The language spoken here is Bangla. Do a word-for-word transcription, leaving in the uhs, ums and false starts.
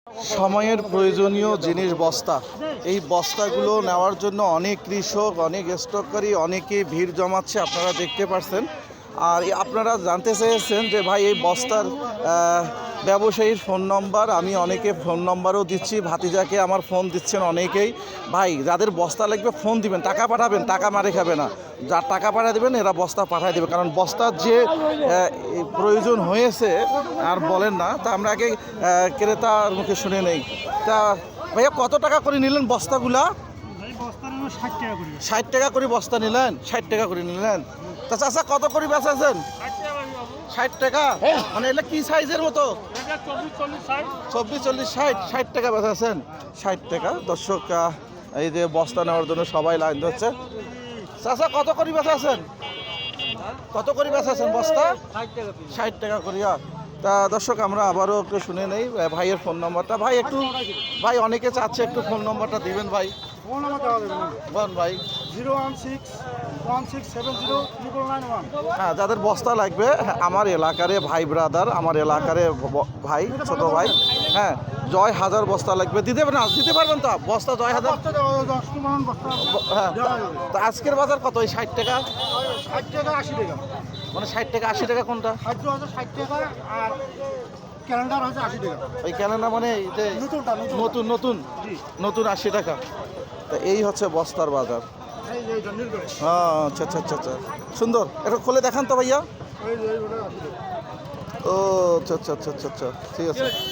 সময়ের প্রয়োজনীয় জিনিস বস্তা, এই বস্তাগুলো নেওয়ার জন্য অনেক কৃষক, অনেক স্টককারী অনেকে ভিড় জমাচ্ছে, আপনারা দেখতে পাচ্ছেন। আর আপনারা জানতে চেয়েছেন যে ভাই এই বস্তার ব্যবসায়ীর ফোন নম্বর, আমি অনেকে ফোন নম্বরও দিচ্ছি, ভাতিজাকে আমার ফোন দিচ্ছেন অনেকেই। ভাই যাদের বস্তা লাগবে ফোন দিবেন, টাকা পাঠাবেন, টাকা মারে খাবে না। যার টাকা পাঠিয়ে দেবেন এরা বস্তা পাঠিয়ে দেবে, কারণ বস্তার যে প্রয়োজন হয়েছে আর বলেন না। তা আমরা আগে ক্রেতার মুখে শুনে নেই। তা ভাইয়া কত টাকা করে নিলেন বস্তাগুলা? ষাট টাকা করে বস্তা নিলেন, ষাট টাকা করে নিলেন। তা চাচা কত করে বেচাছেন? ষাট টাকা। মানে এটা কি সাইজের মতো? চব্বিশ চল্লিশ ষাট ষাট টাকা বেচাছেন, ষাট টাকা। দর্শক এই যে বস্তা নেওয়ার জন্য সবাই লাইন ধরছে। চাচা কত করে বেচাছেন? কত করে বেচাছেন বস্তা? ষাট টাকা করিয়া। তা দর্শক আমরা আবারও একটু শুনে নেই ভাইয়ের ফোন নম্বরটা। ভাই একটু, ভাই অনেকে চাচ্ছে একটু ফোন নম্বরটা দিবেন ভাই। ফোন নাম্বার দেওয়া যাবে না বল ভাই। Zero one six one six seven zero triple nine one. হ্যাঁ, যাদের বস্তা লাগবে আমার এলাকারে ভাই ব্রাদার, আমার এলাকারে ভাই ছোট ভাই, হ্যাঁ জয় হাজার বস্তা লাগবে দিতে পারবেন? দিতে পারবেন তো বস্তা জয় হাজার? হ্যাঁ। তা আজকের বাজার কত? ওই ষাট টাকা, ষাট টাকা আশি টাকা। মানে ষাট টাকা আশি টাকা কোনটা? খাদ্য হচ্ছে ষাট টাকা আর ক্যালেন্ডার হচ্ছে আশি টাকা। ওই ক্যালেন্ডার মানে নতুনটা নতুন নতুন নতুন আশি টাকা। তা এই হচ্ছে বস্তার বাজার। হ্যাঁ, আচ্ছা আচ্ছা আচ্ছা আচ্ছা, সুন্দর। একটু খুলে দেখান তো ভাইয়া। ও আচ্ছা আচ্ছা আচ্ছা আচ্ছা, ঠিক আছে।